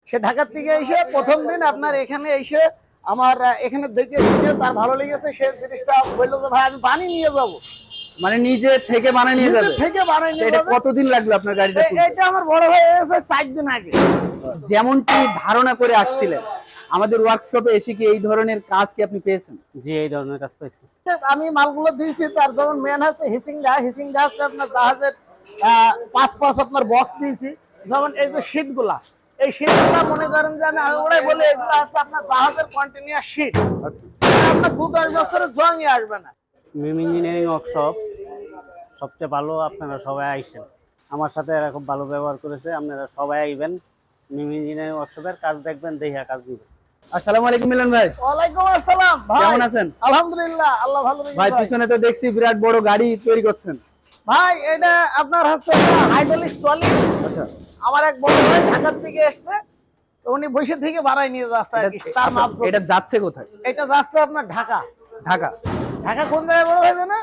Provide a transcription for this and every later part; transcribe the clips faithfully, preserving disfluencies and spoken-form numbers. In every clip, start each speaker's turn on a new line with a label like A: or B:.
A: সে ঢাকা থেকে এসে প্রথম দিন আপনার এখানে এসে আমার এখানে দেখে শুনে তার ভালো লেগেছে, সে জিনিসটা বললো যে ভাই আমি বানিয়ে নিয়ে যাবো।
B: মানে নিজে থেকে বানিয়ে নিয়ে যাবে?
A: থেকে বানিয়ে নিয়ে
B: এটা
A: যাবে।
B: কতদিন লাগলো আপনার গাড়িটা?
A: এটা আমার বড় হয়ে গেছে চার দিন আগে।
B: যেমনটি ধারণা করে আসছিলেন, আমাদের ওয়ার্কশপে এসে কি এই ধরনের কাজ কি আপনি পেয়েছেন?
C: জি, এই ধরনের কাজ পেয়েছি।
A: আমি মালগুলো দিয়েছি, তার যেমন মেন আছে হিসিংডা, হিসিংডা হচ্ছে আপনার জাহাজের পাঁচ পাঁচ আপনার বক্স দিয়েছি। যেমন এই যে শীট গুলা, এই শীট গুলা মনে করেন যে আমি ওরাই বলে এগুলো হচ্ছে আপনার জাহাজের কন্টিনিউয়াস শীট।
B: আচ্ছা,
A: আপনার দু দশ বছরের জংই আসবে না।
C: মিম ইঞ্জিনিয়ারিং ওয়ার্কশপ সবচেয়ে ভালো, আপনারা সবাই আইসেন। আমার সাথে এরা খুব ভালো ব্যবহার করেছে, আপনারা সবাই আইবেন। মিম ইঞ্জিনিয়ারিং ওয়ার্কশপের কাজ দেখবেন, দেখে কাজ দিবেন।
B: আসসালামু আলাইকুম মিলন ভাই।
A: ওয়ালাইকুম আসসালাম ভাই,
B: কেমন আছেন?
A: আলহামদুলিল্লাহ, আল্লাহ ভালো রেখেছে।
B: ভাই পিছনে তো দেখছি বিরাট বড় গাড়ি তৈরি করছেন।
A: ভাই এটা আপনার হচ্ছে হাইড্রোলিক ট্রলি।
B: আচ্ছা,
A: আমার এক বড় ভাই ঢাকা থেকে এসেছে, তো উনি বসে থেকে বাড়াই নিয়ে যাচ্ছে আর কি। তার মাপ
B: আচ্ছা, এটা যাচ্ছে কোথায়?
A: এটা যাচ্ছে আপনার ঢাকা।
B: ঢাকা?
A: ঢাকা কোন জায়গায় বড় ভাই জানেন?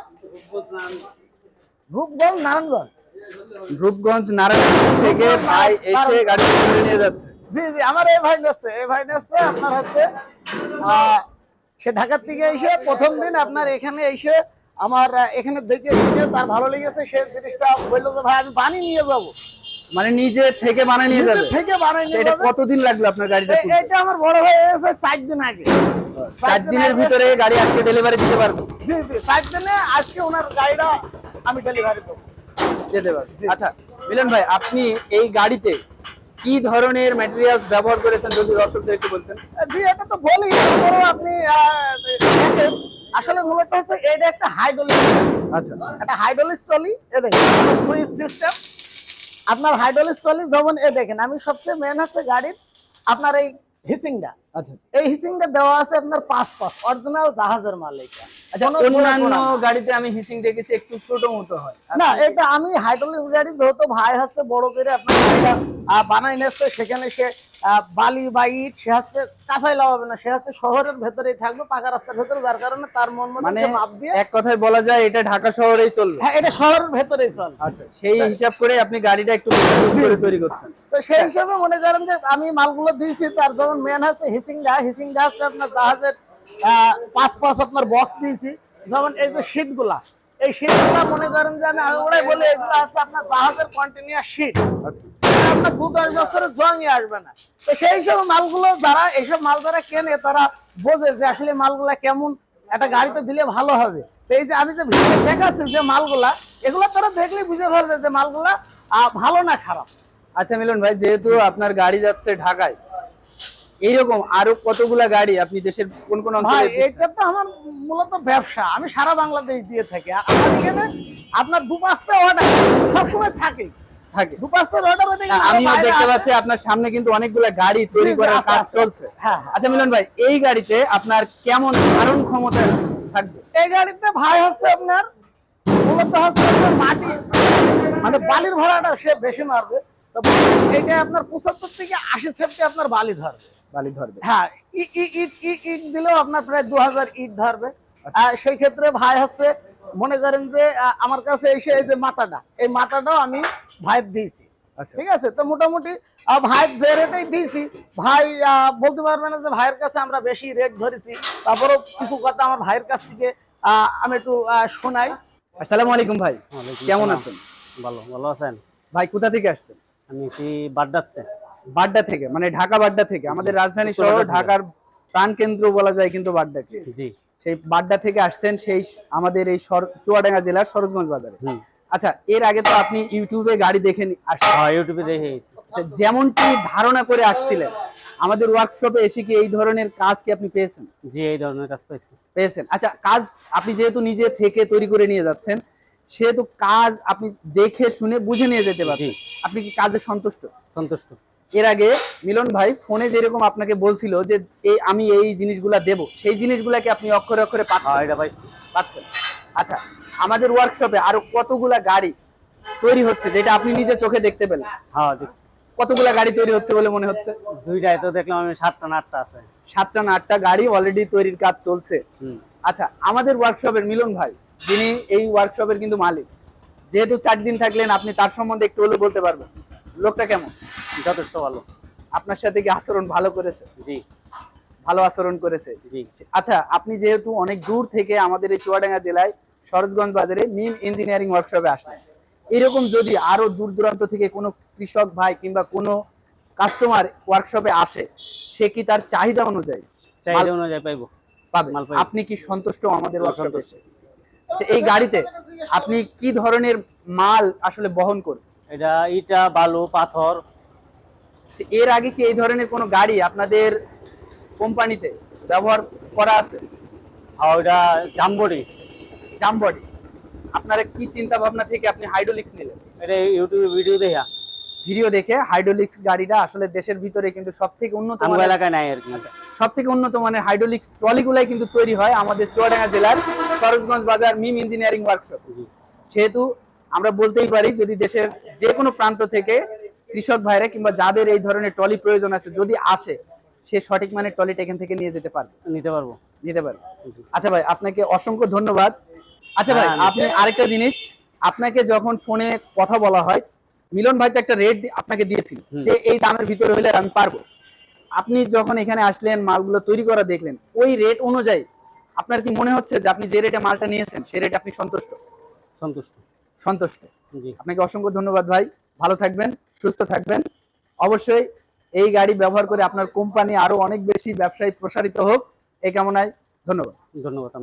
A: রূপগঞ্জ, নারায়ণগঞ্জ।
B: রূপগঞ্জ নারায়ণগঞ্জ থেকে ভাই এসে গাড়ি তুলে নিয়ে যাচ্ছে।
A: জি জি, আমার এই ভাই নেছে, এই ভাই নেছে আপনার হচ্ছে আহ, সে ঢাকা থেকে এসে প্রথম দিন আপনার এখানে এসে আমার এখানে দেখে শুনে তার ভালো লেগেছে, সে জিনিসটা বললো যে ভাই আমি বানিয়ে নিয়ে যাবো।
B: মানে নিজে থেকে বানিয়ে নিয়ে যাবে?
A: থেকে বানিয়ে নিয়ে
B: এটা
A: যাবে।
B: কতদিন লাগলো আপনার গাড়িটা?
A: এটা আমার বড় হয়ে গেছে চার দিন আগে।
B: চার দিনের ভিতরে গাড়ি আজকে ডেলিভারি দিতে পারবো?
A: জি জি, চার দিনে আজকে ওনার গাড়িটা আমি ডেলিভারি দেবো,
B: যেতে পারবো। আচ্ছা মিলন ভাই, আপনি এই গাড়িতে কি ধরনের ম্যাটেরিয়ালস ব্যবহার করেছেন যদি দর্শকদের একটু বলতেন?
A: জি এটা তো বলি, বড় আপনি আহ, দেখেন, আসলে মূলত হচ্ছে এটা একটা হাইড্রোলিক।
B: আচ্ছা,
A: একটা হাইড্রোলিক ট্রলি, এ দেখেন সুইচ সিস্টেম আপনার হাইড্রোলিক ট্রলি। যেমন এ দেখেন, আমি সবচেয়ে মেন হচ্ছে গাড়ির আপনার এই হিসিংটা।
B: আচ্ছা,
A: এই হিসিংটা দেওয়া আছে আপনার পাঁচ পাঁচ অরিজিনাল জাহাজের মাল। এটা
B: আচ্ছা, অন্যান্য গাড়িতে আমি হিসিং দেখেছি একটু ছোট মতো হয়
A: না, এটা আমি হাইড্রোলিক গাড়ি যেহেতু ভাই হচ্ছে বড় করে আপনার গাড়িটা আহ, বানাই নিচ্ছে, সেখানে সে আহ, বালি বা ইট সে হচ্ছে কাঁচাই লাগাবে না, সে হচ্ছে শহরের ভেতরেই থাকবে, পাকা রাস্তার ভেতরে, যার কারণে তার মন মতো
B: মানে
A: সে মাপ দিয়ে।
B: এক কথায় বলা যায় এটা ঢাকা শহরেই চলবে?
A: হ্যাঁ, এটা শহরের ভেতরেই চলে।
B: আচ্ছা, সেই হিসাব করে আপনি গাড়িটা একটু মজবুত করে তৈরি করছেন।
A: তো সেই হিসাবে মনে করেন যে আমি মালগুলো দিয়েছি, তার যেমন মেন হচ্ছে হিসিংডা, হিসিংডা হচ্ছে আপনার জাহাজের আহ, পাঁচ পাঁচ আপনার বক্স দিয়েছি। যেমন এই যে শীট গুলা, এই শীট গুলা মনে করেন যে আমি ওরাই বলে এগুলো হচ্ছে আপনার জাহাজের কন্টিনিউয়াস শীট।
B: আচ্ছা,
A: আপনার দু দশ বছরের জংই আসবে না। তো সেই হিসাবে মালগুলো যারা এইসব মাল যারা কেনে তারা বোঝে যে আসলে মালগুলা কেমন একটা গাড়িতে দিলে ভালো হবে। তো এই যে আমি যে ভিডিও দেখাচ্ছি যে মালগুলা, এগুলো তারা দেখলে বুঝে ফেলবে যে মালগুলা আহ, ভালো না খারাপ।
B: আচ্ছা মিলন ভাই, যেহেতু আপনার গাড়ি যাচ্ছে ঢাকায়, এইরকম আরো কতগুলা গাড়ি আপনি দেশের কোন কোন
A: ভাই
B: অঞ্চলে দিচ্ছেন?
A: এটা তো আমার মূলত ব্যবসা, আমি সারা বাংলাদেশ দিয়ে থাকি। আর আমার এখানে আপনার দু পাঁচটা অর্ডার সবসময় থাকে
B: থাকে?
A: দু পাঁচটা অর্ডার হতে গেলে
B: আমিও
A: বাইরে
B: দেখতে
A: আছে।
B: পাচ্ছি আপনার সামনে কিন্তু অনেকগুলা গাড়ি তৈরি
A: জি, জি,
B: করার
A: আছে,
B: কাজ
A: আছে,
B: চলছে।
A: হ্যাঁ, হ্যাঁ।
B: আচ্ছা মিলন ভাই, এই গাড়িতে আপনার কেমন ধারণ ক্ষমতা থাকবে?
A: এই গাড়িতে ভাই হচ্ছে আপনার মূলত হচ্ছে আপনার মাটি মানে বালির ভাড়াটা সে বেশি মারবে। তো এটা আপনার পঁচাত্তর থেকে আশি সেফটি আপনার বালি ধরবে।
B: বালি ধরবে?
A: হ্যাঁ, ই- ই- ইট ই- ইট দিলেও আপনার প্রায় দু হাজার ইট ধরবে। আর সেই ক্ষেত্রে ভাই হচ্ছে মনে করেন যে আহ, আমার কাছে এসে এই যে মাথাটা, এই মাথাটাও আমি ভাইয়ের দিয়েছি।
B: আচ্ছা,
A: ঠিক আছে, তো মোটামুটি আহ, ভাই যে রেটেই দিয়েছি, ভাই আহ, বলতে পারবে না যে ভাইয়ের কাছে আমরা বেশি রেট ধরেছি। তারপরেও কিছু কথা আমার ভাইয়ের কাছ থেকে আহ, আমি একটু আহ, শোনাই।
B: আসসালামু আলাইকুম ভাই,
C: ওয়ালাইকুম
B: কেমন
C: সালাম।
B: আছেন?
C: ভালো ভালো আছেন?
B: ভাই কোথা থেকে আসছেন?
C: আমি কি বাড্ডাতে?
B: বাড্ডা থেকে? মানে ঢাকা বাড্ডা থেকে? আমাদের রাজধানী
C: উত্তর
B: শহর
C: বাড্ডা থেকে।
B: ঢাকার প্রাণ কেন্দ্র বলা যায় কিন্তু বাড্ডাকে।
C: জি।
B: সেই বাড্ডা থেকে আসছেন, সেই আমাদের এই সর- চুয়াডাঙ্গা জেলার সরোজগঞ্জ বাজারে।
C: হুম।
B: আচ্ছা, এর আগে তো আপনি ইউটিউবে গাড়ি দেখে নি- আসছেন।
C: হ্যাঁ, ইউটিউবে দেখে গেছি।
B: আচ্ছা, যেমনটি ধারণা করে আসছিলেন, আমাদের ওয়ার্কশপে এসে কি এই ধরনের কাজ কি আপনি পেয়েছেন?
C: জি, এই ধরনের কাজ পেয়েছি।
B: পেয়েছেন? আচ্ছা, কাজ আপনি যেহেতু নিজে থেকে তৈরি করে নিয়ে যাচ্ছেন, সেহেতু কাজ আপনি দেখে শুনে বুঝে নিয়ে যেতে পারছেন।
C: জি।
B: আপনি কি কাজে সন্তুষ্ট?
C: সন্তুষ্ট।
B: এর আগে মিলন ভাই ফোনে যেরকম আপনাকে বলছিল যে এই আমি এই জিনিসগুলা দেব, সেই জিনিসগুলাকে আপনি অক্ষরে অক্ষরে
C: হ্যাঁ,
B: পাচ্ছেন?
C: এটা পাইছি।
B: পাচ্ছেন? আচ্ছা, আমাদের ওয়ার্কশপে আরো কতগুলা গাড়ি তৈরি হচ্ছে যেটা আপনি নিজে চোখে দেখতে পেলেন?
C: হ্যাঁ, দেখছি।
B: কতগুলা গাড়ি তৈরি হচ্ছে বলে মনে হচ্ছে?
C: দুইটাই তো দেখলাম আমি, সাতটা না আটটা আছে।
B: সাতটা না আটটা গাড়ি অলরেডি তৈরির কাজ চলছে।
C: হুম।
B: আচ্ছা, আমাদের ওয়ার্কশপের মিলন ভাই, যিনি এই ওয়ার্কশপের কিন্তু মালিক, যেহেতু চার দিন থাকলেন, আপনি তার সম্বন্ধে একটু হলেও বলতে পারবেন লোকটা কেমন?
C: যথেষ্ট ভালো।
B: আপনার সাথে কি আচরণ ভালো করেছে?
C: জি
B: ভালো আচরণ করেছে।
C: জি
B: আচ্ছা, আপনি যেহেতু অনেক দূর থেকে আমাদের এই চুয়াডাঙ্গা জেলায় সরোজগঞ্জ বাজারে মিম ইঞ্জিনিয়ারিং ওয়ার্কশপে আসলেন, এরকম যদি আরো দূর দূরান্ত থেকে কোনো কৃষক ভাই কিংবা কোনো কাস্টমার ওয়ার্কশপে আসে, সে কি তার চাহিদা অনুযায়ী
C: চাহিদা অনুযায়ী পাইবো।
B: পাবে?
C: মাল পাইবো।
B: আপনি কি সন্তুষ্ট আমাদের
C: হ্যাঁ,
B: ওয়ার্কশপে
C: সন্তুষ্ট।
B: এসে? আচ্ছা, এই গাড়িতে আপনি কি ধরনের মাল আসলে বহন করবেন?
C: এটা ইটা বালু পাথর।
B: আচ্ছা, এর আগে কি এই ধরনের কোনো গাড়ি আপনাদের কোম্পানিতে ব্যবহার করা আছে?
C: আর ওইটা জামবড়ি।
B: জামবডি। আপনারা কি চিন্তা ভাবনা থেকে আপনি হাইড্রোলিক্স নিলেন?
C: এটা ইউটিউবে ভিডিও দেখা
B: ভিডিও দেখে হাইড্রোলিক্স গাড়িটা আসলে দেশের ভিতরে কিন্তু সব থেকে উন্নত
C: আমার
B: মানের,
C: এলাকায় নাই আর কি।
B: সব থেকে উন্নত মানের হাইড্রোলিক্স ট্রলিগুলাই কিন্তু তৈরি হয় আমাদের চুয়াডাঙ্গা জেলার সরোজগঞ্জ বাজার মিম ইঞ্জিনিয়ারিং ওয়ার্কশপ।
C: জি।
B: সেহেতু আমরা বলতেই পারি, যদি দেশের যে কোনো প্রান্ত থেকে কৃষক ভাইরা কিংবা যাদের এই ধরনের ট্রলি প্রয়োজন আছে যদি আসে, সে সঠিক মানের ট্রলিটা এখান থেকে নিয়ে যেতে পারবে,
C: নিতে পারবো।
B: নিতে পারবে। আচ্ছা ভাই, আপনাকে অসংখ্য ধন্যবাদ। আচ্ছা ভাই,
C: হ্যাঁ,
B: আপনি আরেকটা জিনিস, আপনাকে যখন ফোনে কথা বলা হয়, মিলন ভাই তো একটা রেট আপনাকে দিয়েছিল
C: হুম।
B: যে এই দামের ভিতরে হলে আমি পারবো। আপনি যখন এখানে আসলেন, মালগুলো তৈরি করা দেখলেন, ওই রেট অনুযায়ী আপনার কি মনে হচ্ছে যে আপনি যে রেটে মালটা নিয়েছেন সে রেটে আপনি সন্তুষ্ট?
C: সন্তুষ্ট।
B: সন্তুষ্ট।
C: জি।
B: আপনাকে অসংখ্য ধন্যবাদ ভাই, ভালো থাকবেন, সুস্থ থাকবেন। অবশ্যই এই গাড়ি ব্যবহার করে আপনার কোম্পানি আরো অনেক বেশি ব্যবসায় প্রসারিত হোক, এই কামনায় ধন্যবাদ।
C: ধন্যবাদ।